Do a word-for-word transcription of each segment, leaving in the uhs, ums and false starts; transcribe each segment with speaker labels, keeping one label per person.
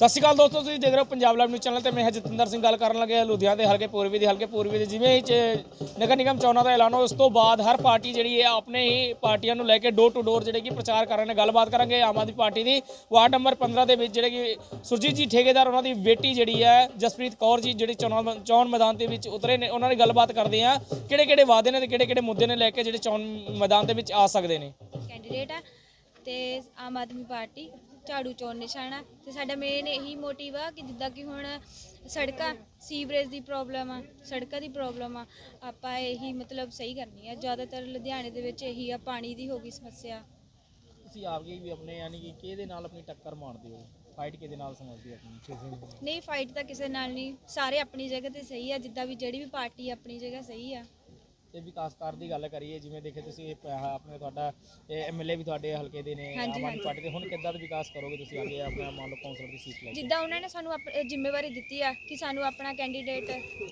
Speaker 1: ਸਤਿ ਸ਼੍ਰੀ ਅਕਾਲ ਦੋਸਤੋ, ਤੁਸੀਂ ਦੇਖ ਰਹੇ ਹੋ ਪੰਜਾਬ ਲਾਈਵ ਨਿਊਜ਼ ਚੈਨਲ ਤੇ ਮੈਂ ਜਤਿੰਦਰ ਸਿੰਘ ਗੱਲ ਕਰਨ ਲੱਗਿਆ ਲੁਧਿਆਣਾ ਦੇ ਹਲਕੇ ਪੂਰਬੀ ਦੇ ਹਲਕੇ ਪੂਰਬੀ ਦੇ ਜਿਵੇਂ ਹੀ ਨਗਰ ਨਿਗਮ ਚੋਣਾਂ ਦਾ ਐਲਾਨ ਹੋਇਆ ਉਸ ਤੋਂ ਬਾਅਦ ਹਰ ਪਾਰਟੀ ਜਿਹੜੀ ਹੈ ਆਪਣੇ ਹੀ ਪਾਰਟੀਆਂ ਨੂੰ ਲੈ ਕੇ ਡੋਰ ਟੂ ਡੋਰ ਜਿਹੜੇ ਕਿ ਪ੍ਰਚਾਰ ਕਰ ਰਹੇ ਨੇ। ਗੱਲਬਾਤ ਕਰਾਂਗੇ ਆਮ ਆਦਮੀ ਪਾਰਟੀ ਦੀ ਵਾਰਡ ਨੰਬਰ ਪੰਦਰਾਂ ਦੇ ਵਿੱਚ ਜਿਹੜੇ ਕਿ ਸੁਰਜੀਤ ਜੀ ਠੇਕੇਦਾਰ ਉਹਨਾਂ ਦੀ ਬੇਟੀ ਜਿਹੜੀ ਹੈ ਜਸਪ੍ਰੀਤ ਕੌਰ ਜੀ ਜਿਹੜੀ ਚੋਣ ਚੋਣ ਮੈਦਾਨ ਦੇ ਵਿੱਚ ਉਤਰੇ ਨੇ, ਉਹਨਾਂ ਦੀ ਗੱਲਬਾਤ ਕਰਦੇ ਆ ਕਿਹੜੇ ਕਿਹੜੇ ਵਾਅਦੇ ਨੇ ਤੇ ਕਿਹੜੇ ਕਿਹੜੇ ਮੁੱਦੇ ਨੇ ਲੈ ਕੇ ਜਿਹੜੇ ਚੋਣ ਮੈਦਾਨ ਦੇ ਵਿੱਚ ਆ ਸਕਦੇ ਨੇ।
Speaker 2: ਕੈਂਡੀਡੇਟ ਆ ਤੇ ਆਮ ਆਦਮੀ ਪਾਰਟੀ ਝਾੜੂ ਚੋਣ ਨਿਸ਼ਾਨਾ ਤੇ ਸਾਡਾ ਮੇਨ ਇਹੀ ਮੋਟਿਵ ਆ ਕਿ ਜਿੱਦਾਂ ਕਿ ਹੁਣ ਸੜਕਾਂ ਸੀਵਰੇਜ ਦੀ ਪ੍ਰੋਬਲਮ ਆ, ਸੜਕਾਂ ਦੀ ਪ੍ਰੋਬਲਮ ਆ, ਆਪਾਂ ਇਹੀ ਮਤਲਬ ਸਹੀ ਕਰਨੀ ਆ। ਜ਼ਿਆਦਾਤਰ ਲੁਧਿਆਣੇ ਦੇ ਵਿੱਚ ਇਹੀ ਆ, ਪਾਣੀ ਦੀ ਹੋ ਗਈ ਸਮੱਸਿਆ।
Speaker 1: ਤੁਸੀਂ ਆਪ ਵੀ ਆਪਣੇ ਯਾਨੀ ਕਿ ਕਿਹਦੇ ਨਾਲ ਆਪਣੀ ਟੱਕਰ ਮਾਰਦੇ ਹੋ, ਫਾਈਟ ਕਿਹਦੇ ਨਾਲ ਸਮਝਦੇ ਹੋ ਆਪਣੀ?
Speaker 2: ਨਹੀਂ, ਫਾਈਟ ਤਾਂ ਕਿਸੇ ਨਾਲ ਨਹੀਂ, ਸਾਰੇ ਆਪਣੀ ਜਗ੍ਹਾ ਤੇ ਸਹੀ ਆ। ਜਿੱਦਾਂ ਵੀ ਜਿਹੜੀ ਵੀ ਪਾਰਟੀ ਆਪਣੀ ਜਗ੍ਹਾ ਸਹੀ ਆ।
Speaker 1: ਤੇ ਵਿਕਾਸਕਾਰ ਦੀ ਗੱਲ ਕਰੀਏ, ਜਿਵੇਂ ਦੇਖੇ ਤੁਸੀਂ ਆਪਣੇ ਤੁਹਾਡਾ ਐਮਐਲਏ ਵੀ ਤੁਹਾਡੇ ਹਲਕੇ ਦੇ ਨੇ ਆਮ ਆਦਮੀ ਪਾਰਟੀ ਦੇ, ਹੁਣ ਕਿੱਦਾਂ ਦਾ ਵਿਕਾਸ ਕਰੋਗੇ ਤੁਸੀਂ ਅੱਗੇ ਆਪਣਾ ਮੰਨ ਲਓ ਕੌਂਸਲਰ ਦੀ ਸੀਟ ਲੈ?
Speaker 2: ਜਿੱਦਾਂ ਉਹਨਾਂ ਨੇ ਸਾਨੂੰ ਜ਼ਿੰਮੇਵਾਰੀ ਦਿੱਤੀ ਆ ਕਿ ਸਾਨੂੰ ਆਪਣਾ ਕੈਂਡੀਡੇਟ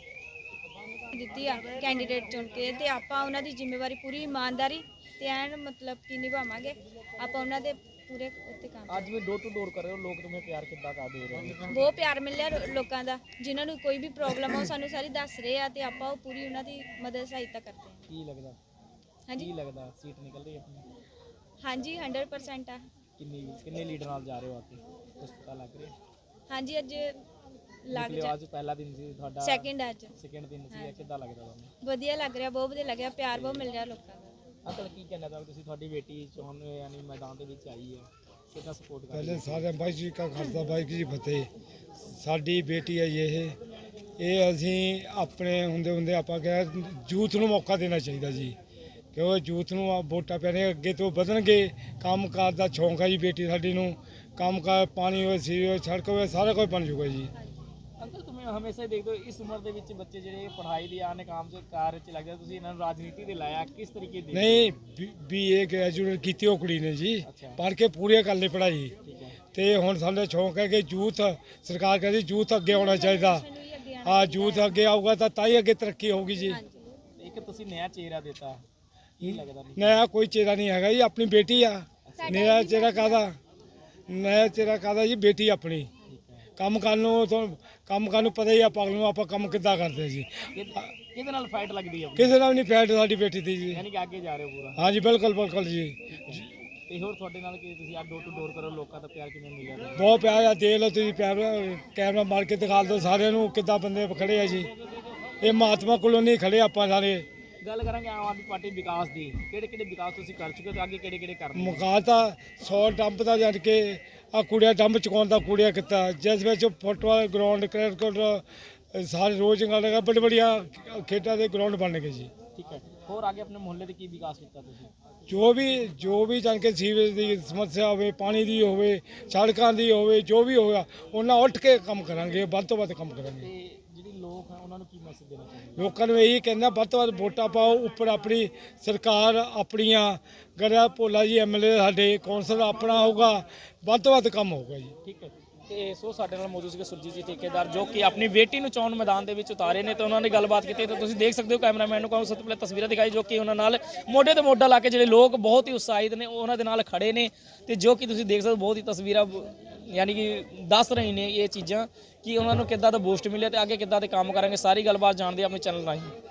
Speaker 2: ਦਿੱਤੀ ਆ, ਕੈਂਡੀਡੇਟ ਚੁਣ ਕੇ, ਤੇ ਆਪਾਂ ਉਹਨਾਂ ਦੀ ਜ਼ਿੰਮੇਵਾਰੀ ਪੂਰੀ ਇਮਾਨਦਾਰੀ ਤੇ ਐਨ ਮਤਲਬ ਕਿ ਨਿਭਾਵਾਂਗੇ। ਆਪਾਂ ਉਹਨਾਂ ਦੇ ਪੂਰੇ ਉੱਤੇ ਕੰਮ।
Speaker 1: ਅੱਜ ਵੀ ਡੋਰ ਟੂ ਡੋਰ ਕਰ ਰਹੇ ਹੋ, ਲੋਕ ਤੁਹਾਨੂੰ ਪਿਆਰ ਕਿੱਦਾਂ ਕਰ ਦੇ ਰਹੇ ਨੇ?
Speaker 2: ਬਹੁਤ ਪਿਆਰ ਮਿਲਿਆ ਲੋਕਾਂ ਦਾ, ਜਿਨ੍ਹਾਂ ਨੂੰ ਕੋਈ ਵੀ ਪ੍ਰੋਬਲਮ ਆ ਉਹ ਸਾਨੂੰ ਸਾਰੀ ਦੱਸ ਰਹੇ ਆ ਤੇ ਆਪਾਂ ਉਹ ਪੂਰੀ ਉਹਨਾਂ ਦੀ ਮਦਦ ਸਹਾਇਤਾ ਕਰਦੇ ਹਾਂ।
Speaker 1: ਕੀ ਲੱਗਦਾ
Speaker 2: ਹਾਂਜੀ
Speaker 1: ਕੀ ਲੱਗਦਾ ਸੀਟ ਨਿਕਲ ਰਹੀ ਆਪਣੀ?
Speaker 2: ਹਾਂਜੀ ਹੰਡਰਡ ਪਰਸੈਂਟ ਆ।
Speaker 1: ਕਿੰਨੀ ਕਿੰਨੇ ਲੀਡਰ ਨਾਲ ਜਾ ਰਹੇ ਹੋ ਆਕੇ, ਕੁਝ ਪਤਾ ਲੱਗ ਰਿਹਾ?
Speaker 2: ਹਾਂਜੀ ਅੱਜ ਲੱਗ ਜਾ
Speaker 1: ਅੱਜ ਪਹਿਲਾ ਦਿਨ ਸੀ ਤੁਹਾਡਾ,
Speaker 2: ਸੈਕਿੰਡ ਅੱਜ
Speaker 1: ਸੈਕਿੰਡ ਦਿਨ ਸੀ, ਕਿੱਦਾਂ ਲੱਗਦਾ ਤੁਹਾਨੂੰ?
Speaker 2: ਵਧੀਆ ਲੱਗ ਰਿਹਾ, ਬਹੁਤ ਵਧੀਆ ਲੱਗਿਆ, ਪਿਆਰ ਬਹੁਤ ਮਿਲ ਰਿਹਾ ਲੋਕਾਂ ਦਾ।
Speaker 1: ਅੰਕਲ ਕੀ ਕਹਿਣਾ ਚਾਹੋਗੇ ਤੁਸੀਂ? ਤੁਹਾਡੀ ਬੇਟੀ ਚੋਣ ਯਾਨੀ ਮੈਦਾਨ ਦੇ ਵਿੱਚ ਆਈ ਹੈ, ਕਿੰਨਾ ਸਪੋਰਟ ਕਰ?
Speaker 3: ਪਹਿਲੇ ਸਾਰੇ ਬਾਈ ਜੀ ਕਾ ਖਾਲਸਾ ਬਾਈ ਜੀ ਫਤਿਹ। ਸਾਡੀ ਬੇਟੀ ਹੈ ਇਹ ਇਹ ਅਸੀਂ ਆਪਣੇ ਹੁੰਦੇ ਹੁੰਦੇ ਆਪਾਂ ਕਿਹਾ ਯੂਥ ਨੂੰ ਮੌਕਾ ਦੇਣਾ ਚਾਹੀਦਾ ਜੀ, ਕਿਉਂ ਯੂਥ ਨੂੰ ਆ ਵੋਟਾਂ ਪੈਣੇ ਅੱਗੇ ਤੋਂ ਵਧਣਗੇ। ਕੰਮ ਕਾਰ ਦਾ ਸ਼ੌਂਕ ਹੈ ਜੀ ਬੇਟੀ ਸਾਡੀ ਨੂੰ, ਕੰਮ ਕਾਰ ਪਾਣੀ ਹੋਵੇ, ਸੀਵਰੇਜ ਹੋਵੇ, ਸੜਕ ਹੋਵੇ, ਸਾਰਾ ਕੁਝ ਬਣ ਜੂਗਾ ਜੀ।
Speaker 1: ਅੰਕਲ ਤੁਸੀਂ ਹਮੇਸ਼ਾ ਹੀ ਦੇਖਦੇ ਹੋ ਇਸ ਉਮਰ ਦੇ ਵਿੱਚ ਬੱਚੇ ਜਿਹੜੇ ਪੜ੍ਹਾਈ ਦੀ ਆਨੇ ਕੰਮ ਚ ਕਾਰ ਚ ਲੱਗਦਾ, ਤੁਸੀਂ ਇਹਨਾਂ ਨੂੰ ਰਾਜਨੀਤੀ ਦੇ ਲਾਇਆ ਕਿਸ ਤਰੀਕੇ ਦੀ?
Speaker 3: ਨਹੀਂ, ਬੀਏ ਗ੍ਰੈਜੂਏਟ ਕੀਤੀ ਉਹ ਕੁੜੀ ਨੇ ਜੀ, ਪੜ੍ਹ ਕੇ ਪੂਰੀ ਕਰ ਲਈ ਪੜ੍ਹਾਈ। ਤੇ ਹੁਣ ਸਾਡਾ ਸ਼ੌਂਕ ਹੈ ਕਿ ਯੂਥ, ਸਰਕਾਰ ਕਹਿੰਦੀ ਯੂਥ ਅੱਗੇ ਆਉਣਾ ਚਾਹੀਦਾ। ਹਾਂ, ਯੂਥ ਅੱਗੇ ਆਊਗਾ ਤਾਂ ਤਾਂ ਹੀ ਅੱਗੇ ਤਰੱਕੀ ਹੋਊਗੀ ਜੀ।
Speaker 1: ਇੱਕ ਤੁਸੀਂ ਨया ਚਿਹਰਾ ਦਿੱਤਾ, ਕੀ ਲੱਗਦਾ?
Speaker 3: ਨया ਕੋਈ ਚਿਹਰਾ ਨਹੀਂ ਹੈਗਾ ਜੀ, ਆਪਣੀ ਬੇਟੀ ਆ। ਨया ਚਿਹਰਾ ਕਾਹਦਾ, ਨया ਚਿਹਰਾ ਕਾਹਦਾ ਜੀ, ਬੇਟੀ ਆਪਣੀ। ਕੰਮ ਕਰਨ ਨੂੰ ਤੁਹਾਨੂੰ ਕੰਮ ਕਰਨ ਨੂੰ ਪਤਾ ਹੀ ਆ ਪਾਗਲ ਨੂੰ, ਆਪਾਂ ਕੰਮ ਕਿੱਦਾਂ ਕਰਦੇ ਜੀ।
Speaker 1: ਕਿਹਦੇ ਨਾਲ ਫਾਈਟ ਲੱਗਦੀ ਹੈ?
Speaker 3: ਕਿਸੇ ਨਾਲ ਨਹੀਂ ਫਾਈਟ ਸਾਡੀ ਬੇਟੀ ਦੀ ਜੀ।
Speaker 1: ਯਾਨੀ ਕਿ ਅੱਗੇ ਜਾ ਰਹੇ ਹੋ ਪੂਰਾ?
Speaker 3: ਹਾਂਜੀ ਬਿਲਕੁਲ ਬਿਲਕੁਲ ਜੀ।
Speaker 1: ਤੇ ਹੋਰ ਤੁਹਾਡੇ ਨਾਲ ਕੀ ਤੁਸੀਂ ਆ ਡੋਰ ਟੂ ਡੋਰ ਕਰੋ, ਲੋਕਾਂ ਦਾ ਪਿਆਰ ਕਿਵੇਂ ਮਿਲਿਆ?
Speaker 3: ਬਹੁਤ ਪਿਆਰ ਆ, ਦੇਖ ਲਓ ਤੁਸੀਂ, ਪਿਆਰ ਕੈਮਰਾ ਮਾਰ ਕੇ ਦਿਖਾ ਦਿਓ ਸਾਰਿਆਂ ਨੂੰ ਕਿੱਦਾਂ ਬੰਦੇ ਖੜੇ ਆ ਜੀ। ਇਹ ਮਹਾਤਮਾ ਕਲੋਨੀ ਖੜੇ ਆਪਾਂ ਸਾਰੇ।
Speaker 1: ਗੱਲ ਕਰਾਂਗੇ ਆਮ ਆਦਮੀ ਪਾਰਟੀ ਵਿਕਾਸ ਦੀ, ਕਿਹੜੇ ਕਿਹੜੇ ਵਿਕਾਸ ਤੁਸੀਂ ਕਰ ਚੁੱਕੇ ਹੋ, ਅੱਗੇ ਕਿਹੜੇ ਕਿਹੜੇ ਕਰਨੇ?
Speaker 3: ਮੁਕਾਤ ਤਾਂ ਸੌ ਡੰਪ ਦਾ ਜਦ ਕੇ ਆ ਕੁੜੀਆਂ ਡੰਪ ਚੁਕਾਉਣ ਦਾ ਕੁੜੀਆਂ ਕੀਤਾ, ਜਿਸ ਵਿੱਚ ਫੁੱਟਬਾਲ ਗਰਾਊਂਡ, ਕ੍ਰਿਕਟ ਸਾਰੇ ਰੋਜ਼ ਲਗਾ, ਬੜੇ ਬੜੀਆਂ ਖੇਡਾਂ ਦੇ ਗਰਾਊਂਡ ਬਣ ਗਏ ਜੀ।
Speaker 1: ਠੀਕ ਹੈ, ਹੋਰ ਅੱਗੇ ਆਪਣੇ ਮੁਹੱਲੇ ਦੇ ਕੀ ਵਿਕਾਸ ਕੀਤਾ ਤੁਸੀਂ?
Speaker 3: ਜੋ ਵੀ ਜੋ ਵੀ ਜਾਣ ਕੇ ਸੀਵਰੇਜ ਦੀ ਸਮੱਸਿਆ ਹੋਵੇ, ਪਾਣੀ ਦੀ ਹੋਵੇ, ਸੜਕਾਂ ਦੀ ਹੋਵੇ, ਜੋ ਵੀ ਹੋਗਾ ਉਹਨਾਂ ਉੱਠ ਕੇ ਕੰਮ ਕਰਾਂਗੇ, ਵੱਧ ਤੋਂ ਵੱਧ ਕੰਮ ਕਰਾਂਗੇ।
Speaker 1: ਤੇ ਜਿਹੜੇ ਲੋਕ ਹੈ ਉਹਨਾਂ ਨੂੰ ਕੀ ਮੈਸੇਜ ਦੇਣਾ ਚਾਹੁੰਦੇ?
Speaker 3: ਲੋਕਾਂ ਨੂੰ ਇਹੀ ਕਹਿੰਦਾ ਵੱਧ ਤੋਂ ਵੱਧ ਵੋਟਾਂ ਪਾਓ, ਉੱਪਰ ਆਪਣੀ ਸਰਕਾਰ ਆਪਣੀਆਂ ਗੜਾ ਭੋਲਾ ਜੀ ਐਮਐਲਏ ਸਾਡੇ ਕੌਂਸਲ ਆਪਣਾ ਹੋਊਗਾ, ਵੱਧ ਤੋਂ ਵੱਧ ਕੰਮ ਹੋਊਗਾ ਜੀ।
Speaker 1: ਠੀਕ ਹੈ, ਤੇ ਸੋ ਸਾਡੇ ਨਾਲ ਮੌਜੂਦ ਸੀਗੇ ਸੁਰਜੀਤ ਜੀ ਠੇਕੇਦਾਰ, ਜੋ ਕਿ ਆਪਣੀ ਬੇਟੀ ਨੂੰ ਚੋਣ ਮੈਦਾਨ ਦੇ ਵਿੱਚ ਉਤਾਰੇ ਨੇ ਤੇ ਉਹਨਾਂ ਨੇ ਗੱਲਬਾਤ ਕੀਤੀ। ਤਾਂ ਤੁਸੀਂ ਦੇਖ ਸਕਦੇ ਹੋ, ਕੈਮਰਾਮੈਨ ਨੂੰ ਕਹੋ ਸਭ ਤੋਂ ਪਹਿਲਾਂ ਤਸਵੀਰਾਂ ਦਿਖਾਈ, ਜੋ ਕਿ ਉਹਨਾਂ ਨਾਲ ਮੋਢੇ ਤੇ ਮੋਢਾ ਲਾ ਕੇ ਜਿਹੜੇ ਲੋਕ ਬਹੁਤ ਹੀ ਉਤਸ਼ਾਹਿਤ ਨੇ ਉਹਨਾਂ ਦੇ ਨਾਲ ਖੜੇ ਨੇ। ਤੇ ਜੋ ਕਿ ਤੁਸੀਂ ਦੇਖ ਸਕਦੇ ਹੋ ਬਹੁਤ ਹੀ ਤਸਵੀਰਾਂ ਯਾਨੀ ਕਿ ਦੱਸ ਰਹੀ ਨੇ ਇਹ ਚੀਜ਼ਾਂ ਕਿ ਉਹਨਾਂ ਨੂੰ ਕਿੱਦਾਂ ਦਾ ਬੂਸਟ ਮਿਲਿਆ ਤੇ ਅੱਗੇ ਕਿੱਦਾਂ ਦੇ ਕੰਮ ਕਰਾਂਗੇ। ਸਾਰੀ ਗੱਲਬਾਤ ਜਾਣਦੇ ਆਪਣੇ ਚੈਨਲ ਰਾਹੀਂ।